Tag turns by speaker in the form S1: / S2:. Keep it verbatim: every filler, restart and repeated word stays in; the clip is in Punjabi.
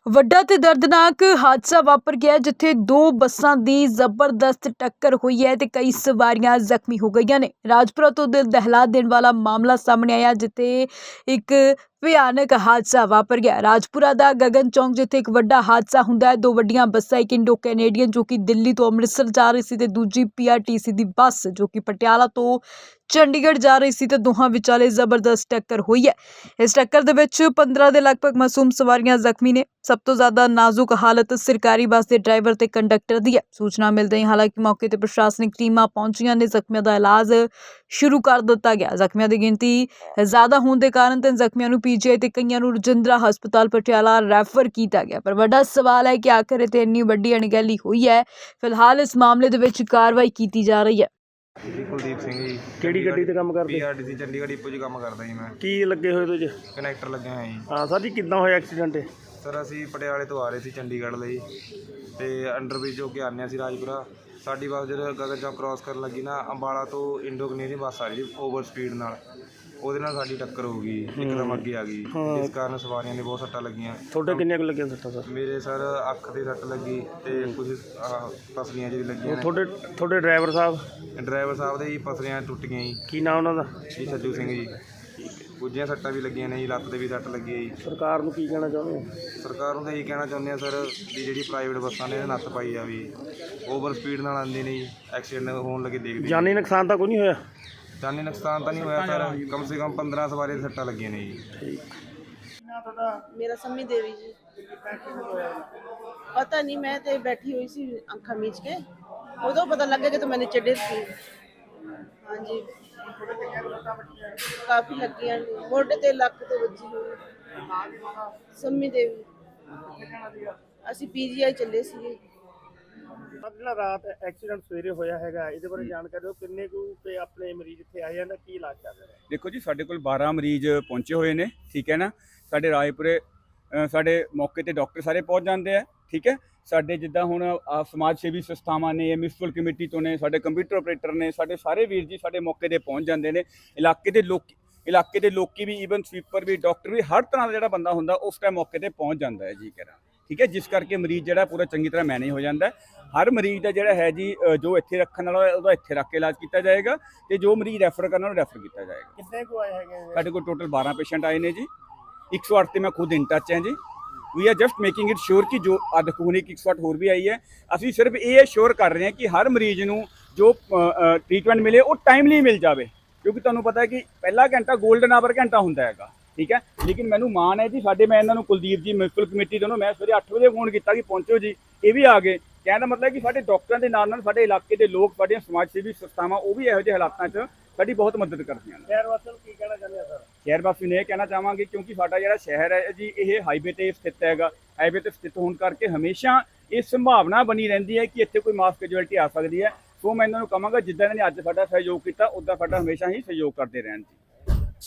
S1: ਵੱਡਾ ਤੇ ਦਰਦਨਾਕ ਹਾਦਸਾ ਵਾਪਰ ਗਿਆ ਜਿੱਥੇ ਦੋ ਬੱਸਾਂ ਦੀ ਜ਼ਬਰਦਸਤ ਟੱਕਰ ਹੋਈ ਹੈ ਤੇ ਕਈ ਸਵਾਰੀਆਂ ਜ਼ਖਮੀ ਹੋ ਗਈਆਂ ਨੇ। ਰਾਜਪੁਰਾ ਤੋਂ ਦਿਲ ਦਹਿਲਾ ਦੇਣ ਵਾਲਾ ਮਾਮਲਾ ਸਾਹਮਣੇ ਆਇਆ ਜਿੱਥੇ ਇੱਕ ਭਿਆਨਕ ਹਾਦਸਾ ਵਾਪਰ ਗਿਆ। ਰਾਜਪੁਰਾ ਦਾ ਗਗਨ ਚੌਂਕ ਜਿੱਥੇ ਇੱਕ ਵੱਡਾ ਹਾਦਸਾ ਹੁੰਦਾ ਹੈ। ਦੋ ਵੱਡੀਆਂ ਬੱਸਾਂ, ਇੱਕ ਇੰਡੋ ਕੈਨੇਡੀਅਨ ਜੋ ਕਿ ਦਿੱਲੀ ਤੋਂ ਅੰਮ੍ਰਿਤਸਰ ਜਾ ਰਹੀ ਸੀ ਤੇ ਦੂਜੀ ਪੀਆਰਟੀਸੀ ਦੀ ਬੱਸ ਜੋ ਕਿ ਪਟਿਆਲਾ ਤੋਂ ਚੰਡੀਗੜ੍ਹ ਜਾ ਰਹੀ ਸੀ ਤੇ ਦੋਹਾਂ ਵਿਚਾਲੇ ਜ਼ਬਰਦਸਤ ਟੱਕਰ ਹੋਈ ਹੈ। ਇਸ ਟੱਕਰ ਦੇ ਵਿੱਚ ਪੰਦਰਾਂ ਦੇ ਲਗਭਗ ਮਾਸੂਮ ਸਵਾਰੀਆਂ ਜ਼ਖਮੀ ਨੇ। ਸਭ ਤੋਂ ਜ਼ਿਆਦਾ ਨਾਜ਼ੁਕ ਹਾਲਤ ਸਰਕਾਰੀ ਬੱਸ ਦੇ ਡਰਾਈਵਰ ਤੇ ਕੰਡਕਟਰ ਦੀ ਹੈ। ਸੂਚਨਾ ਮਿਲਦੇ ਹੀ ਹਾਲਾਂਕਿ ਮੌਕੇ ਤੇ ਪ੍ਰਸ਼ਾਸਨਿਕ ਟੀਮਾਂ ਪਹੁੰਚੀਆਂ ਨੇ। ਜ਼ਖਮੀਆਂ ਦਾ ਇਲਾਜ ਸ਼ੁਰੂ ਕਰ ਦਿੱਤਾ ਗਿਆ। ਜ਼ਖਮੀਆਂ ਦੀ ਗਿਣਤੀ ਜ਼ਿਆਦਾ ਹੋਣ ਦੇ ਕਾਰਨ ਤਿੰਨ ਜ਼ਖਮੀਆਂ ਨੂੰ ਪੀਜੀਆਈ ਤੇ ਕਈਆਂ ਨੂੰ ਰਜਿੰਦਰਾ ਹਸਪਤਾਲ ਪਟਿਆਲਾ ਰੈਫਰ ਕੀਤਾ ਗਿਆ। ਪਰ ਵੱਡਾ ਸਵਾਲ ਹੈ ਕਿ ਆਖਿਰ ਇਹ ਇੰਨੀ ਵੱਡੀ ਅਣਗਹਿਲੀ ਹੋਈ ਹੈ। ਫਿਲਹਾਲ ਇਸ ਮਾਮਲੇ ਦੇ ਵਿੱਚ ਕਾਰਵਾਈ ਕੀਤੀ ਜਾ ਰਹੀ ਹੈ।
S2: ਜੀ ਕੁਲਦੀਪ ਸਿੰਘ ਜੀ।
S3: ਕਿਹੜੀ ਗੱਡੀ ਤੇ ਕੰਮ ਕਰਦੇ?
S2: ਪੀਆਰਟੀਸੀ ਚੰਡੀਗੜ੍ਹ ਡਿਪੂ 'ਚ ਕੰਮ ਕਰਦਾ ਜੀ ਮੈਂ।
S3: ਕੀ ਲੱਗੇ ਹੋਏ ਤੁਸੀਂ?
S2: ਕਨੈਕਟਰ ਲੱਗਿਆ ਹੋਇਆ ਜੀ।
S3: ਹਾਂ ਸਰ ਜੀ, ਕਿੱਦਾਂ ਹੋਇਆ ਐਕਸੀਡੈਂਟ?
S2: ਸਰ ਅਸੀਂ ਪਟਿਆਲੇ ਤੋਂ ਆ ਰਹੇ ਸੀ ਚੰਡੀਗੜ੍ਹ ਲਈ ਤੇ ਅੰਡਰਬ੍ਰਿਜ ਹੋ ਕੇ ਆਉਂਦੇ ਸੀ ਰਾਜਪੁਰਾ। ਸਾਡੀ ਬੱਸ ਜਦੋਂ ਗਗਨ ਚੌਕ ਕ੍ਰਾਸ ਕਰਨ ਲੱਗੀ ਨਾ, ਅੰਬਾਲਾ ਤੋਂ ਇੰਡੋ ਕੈਨੇਡੀਅਨ ਬੱਸ ਆ ਰਹੀ ਸੀ ਓਵਰ ਸਪੀਡ ਨਾਲ, ਉਹਦੇ ਨਾਲ ਸਾਡੀ ਟੱਕਰ ਹੋ ਗਈ, ਇੱਕਦਮ ਅੱਗੇ ਆ ਗਈ। ਇਸ ਕਾਰਨ ਸਵਾਰੀਆਂ ਨੇ ਬਹੁਤ ਸੱਟਾਂ ਲੱਗੀਆਂ।
S3: ਤੁਹਾਡੇ ਕਿੰਨੀਆਂ ਕੁ ਲੱਗੀਆਂ ਸੱਟਾਂ ਸਰ?
S2: ਮੇਰੇ ਸਰ ਅੱਖ ਤੇ ਸੱਟ ਲੱਗੀ ਤੇ ਕੁਝ ਪਸਲੀਆਂ ਜਿਹੜੀ ਲੱਗੀਆਂ ਨੇ।
S3: ਤੁਹਾਡੇ ਤੁਹਾਡੇ ਡਰਾਈਵਰ ਸਾਹਿਬ?
S2: ਡਰਾਈਵਰ ਸਾਹਿਬ ਦੇ ਜੀ ਪਸਲੀਆਂ ਟੁੱਟ ਗਈਆਂ ਜੀ।
S3: ਕੀ ਨਾਮ ਉਹਨਾਂ ਦਾ?
S2: ਜੀ ਸੱਜੂ ਸਿੰਘ ਜੀ। ਕੁਝੀਆਂ ਸੱਟਾਂ ਵੀ ਲੱਗੀਆਂ ਨੇ ਜੀ, ਲੱਤ ਤੇ ਵੀ ਸੱਟ ਲੱਗੀ ਹੈ ਜੀ।
S3: ਸਰਕਾਰ ਨੂੰ ਕੀ ਕਹਿਣਾ ਚਾਹੁੰਦੇ ਹੋ?
S2: ਸਰਕਾਰ ਨੂੰ ਤਾਂ ਇਹੀ ਕਹਿਣਾ ਚਾਹੁੰਦੇ ਆ ਸਰ ਵੀ ਜਿਹੜੀ ਪ੍ਰਾਈਵੇਟ ਬੱਸਾਂ ਨੇ ਨੱਥ ਪਾਈ ਆ ਵੀ ਓਵਰ ਸਪੀਡ ਨਾਲ ਆਉਂਦੇ ਨੇ ਜੀ, ਐਕਸੀਡੈਂਟ ਹੋਣ ਲੱਗੇ ਦੇਖਦੇ।
S3: ਜਾਨੀ ਨੁਕਸਾਨ ਤਾਂ ਕੋਈ ਨਹੀਂ ਹੋਇਆ?
S2: ਜਾਨੀ ਨੁਕਸਾਨ ਤਾਂ ਨਹੀਂ ਹੋਇਆ ਸਰ, ਕਮ ਸੇ ਕਮ ਪੰਦਰਾਂ ਸਵਾਰੀ ਦੀਆਂ ਸੱਟਾਂ ਲੱਗੀਆਂ ਨੇ ਜੀ।
S3: ਠੀਕ।
S4: ਮੇਰਾ ਸੰਮੀ ਦੇवी जी। पता नहीं, मैं तो बैठी हुई सी अखा मीच के, उदो पता लग गया कि तो मैंने चढ़े थी। हाँ जी काफ़ी लगी, मोढे ते लक ते वजी हुई। संमी देवी। असी पीजीआई चले सी।
S3: ਜਿਹੜਾ ਰਾਤ ਐਕਸੀਡੈਂਟ ਸਵੇਰੇ ਹੋਇਆ ਹੈਗਾ, ਇਹਦੇ ਬਾਰੇ ਜਾਣਕਾਰੀ ਦਿਓ। ਕਿੰਨੇ ਕੁ ਤੇ ਆਪਣੇ ਮਰੀਜ਼ ਇੱਥੇ ਆਏ ਹਨ, ਕੀ ਇਲਾਜ ਚੱਲ ਰਿਹਾ?
S5: ਦੇਖੋ ਜੀ, ਸਾਡੇ ਕੋਲ ਬਾਰਾਂ ਮਰੀਜ਼ ਪਹੁੰਚੇ ਹੋਏ ਨੇ, ਠੀਕ ਹੈ ਨਾ। ਸਾਡੇ ਰਾਏਪੁਰੇ ਸਾਡੇ ਮੌਕੇ ਤੇ ਡਾਕਟਰ ਸਾਰੇ ਪਹੁੰਚ ਜਾਂਦੇ ਆ, ਠੀਕ ਹੈ। ਸਾਡੇ ਜਿੱਦਾਂ ਹੁਣ ਸਮਾਜ ਸੇਵੀ ਸੰਸਥਾਵਾਂ ਨੇ, ਮਿਊਨਿਸਪਲ ਕਮੇਟੀ ਤੋਂ ਨੇ, ਸਾਡੇ ਕੰਪਿਊਟਰ ਆਪਰੇਟਰ ਨੇ, ਸਾਡੇ ਸਾਰੇ ਵੀਰ ਜੀ ਸਾਡੇ ਮੌਕੇ ਤੇ ਪਹੁੰਚ ਜਾਂਦੇ ਨੇ। ਇਲਾਕੇ ਦੇ ਲੋਕ ਇਲਾਕੇ ਦੇ ਲੋਕੀ ਵੀ, ਈਵਨ ਸਵੀਪਰ ਵੀ, ਡਾਕਟਰ ਵੀ, ਹਰ ਤਰ੍ਹਾਂ ਦਾ ਜਿਹੜਾ ਬੰਦਾ ਹੁੰਦਾ ਉਸ ਟਾਈਮ ਮੌਕੇ ਤੇ ਪਹੁੰਚ ਜਾਂਦਾ ਹੈ ਜੀ ਕਰਾਂ, ਠੀਕ ਹੈ। ਜਿਸ ਕਰਕੇ ਮਰੀਜ਼ ਜਿਹੜਾ ਪੂਰਾ ਚੰਗੀ ਤਰ੍ਹਾਂ ਮੈਨੇਜ ਹੋ ਜਾਂਦਾ ਹੈ। ਹਰ ਮਰੀਜ਼ ਦਾ ਜਿਹੜਾ ਹੈ ਜੀ ਜੋ ਇੱਥੇ ਰੱਖਣ ਵਾਲਾ ਉਹਦਾ ਇੱਥੇ ਰੱਖ ਕੇ ਇਲਾਜ ਕੀਤਾ ਜਾਏਗਾ ਤੇ ਜੋ ਮਰੀਜ਼ ਰੈਫਰ ਕਰਨ ਵਾਲਾ ਰੈਫਰ ਕੀਤਾ ਜਾਏਗਾ।
S3: ਕਿੰਨੇ ਕੁ ਆਏ ਹੈਗੇ?
S5: ਸਾਡੇ ਕੋਲ ਟੋਟਲ ਬਾਰਾਂ ਪੇਸ਼ੈਂਟ ਆਏ ਨੇ ਜੀ। ਇੱਕ ਸੌ ਅੱਠ ਤੇ ਮੈਂ ਖੁਦ ਇਨ ਟੱਚ ਹਾਂ ਜੀ। We are just making it sure ਕਿ ਜੋ ਅੱਜ ਖੂਨ ਇੱਕ ਸੌ ਅੱਠ ਹੋਰ ਵੀ ਆਈ ਹੈ। ਅਸੀਂ ਸਿਰਫ ਇਹ ਸ਼ੋਰ ਕਰ ਰਹੇ ਹਾਂ ਕਿ ਹਰ ਮਰੀਜ਼ ਨੂੰ ਜੋ ਟ੍ਰੀਟਮੈਂਟ ਮਿਲੇ ਉਹ ਟਾਈਮਲੀ ਮਿਲ ਜਾਵੇ, ਕਿਉਂਕਿ ਤੁਹਾਨੂੰ ਪਤਾ ਹੈ ਕਿ ਪਹਿਲਾ ਘੰਟਾ ਗੋਲਡਨ ਆਵਰ ਘੰਟਾ ਹੁੰਦਾ ਹੈਗਾ, ਠੀਕ ਹੈ। ਲੇਕਿਨ ਮੈਨੂੰ ਮਾਣ ਹੈ ਜੀ, ਸਾਡੇ ਮੈਂ ਇਹਨਾਂ ਨੂੰ ਕੁਲਦੀਪ ਜੀ ਮਿਊਨਿਸਪਲ ਕਮੇਟੀ ਦੋਨੋਂ, ਮੈਂ ਸਵੇਰੇ ਅੱਠ ਵਜੇ ਫੋਨ ਕੀਤਾ ਕਿ ਪਹੁੰਚੋ ਜੀ, ਇਹ ਵੀ ਆ ਗਏ। ਕਹਿਣ ਦਾ ਮਤਲਬ ਹੈ ਕਿ ਸਾਡੇ ਡਾਕਟਰਾਂ ਦੇ ਨਾਲ ਨਾਲ ਸਾਡੇ ਇਲਾਕੇ ਦੇ ਲੋਕ, ਸਾਡੀਆਂ ਸਮਾਜ ਸੇਵੀ ਸੰਸਥਾਵਾਂ, ਉਹ ਵੀ ਇਹੋ ਜਿਹੇ ਹਾਲਾਤਾਂ 'ਚ ਸਾਡੀ ਬਹੁਤ ਮਦਦ ਕਰਦੀਆਂ ਨੇ।
S3: ਸ਼ਹਿਰ ਵਾਸੀਆਂ ਨੂੰ ਕੀ ਕਹਿਣਾ ਚਾਹੁੰਦੇ ਆ ਸਰ?
S5: ਸ਼ਹਿਰ ਵਾਸੀ ਨੂੰ ਇਹ ਕਹਿਣਾ ਚਾਹਾਂਗੇ ਕਿਉਂਕਿ ਸਾਡਾ ਜਿਹੜਾ ਸ਼ਹਿਰ ਹੈ ਜੀ ਇਹ ਹਾਈਵੇ ਤੇ ਸਥਿਤ ਹੈਗਾ। ਹਾਈਵੇ ਤੇ ਸਥਿਤ ਹੋਣ ਕਰਕੇ ਹਮੇਸ਼ਾ ਇਹ ਸੰਭਾਵਨਾ ਬਣੀ ਰਹਿੰਦੀ ਹੈ ਕਿ ਇੱਥੇ ਕੋਈ ਮਾਸ ਕੈਜੁਅਲਟੀ ਆ ਸਕਦੀ ਹੈ। ਸੋ ਮੈਂ ਇਹਨਾਂ ਨੂੰ ਕਹਾਂਗਾ ਜਿੱਦਾਂ ਇਹਨਾਂ ਨੇ ਅੱਜ ਸਾਡਾ ਸਹਿਯੋਗ ਕੀਤਾ, ਉੱਦਾਂ ਸਾਡਾ ਹਮੇਸ਼ਾ ਹੀ ਸਹਿਯੋਗ ਕਰਦੇ ਰਹਿਣ ਜੀ।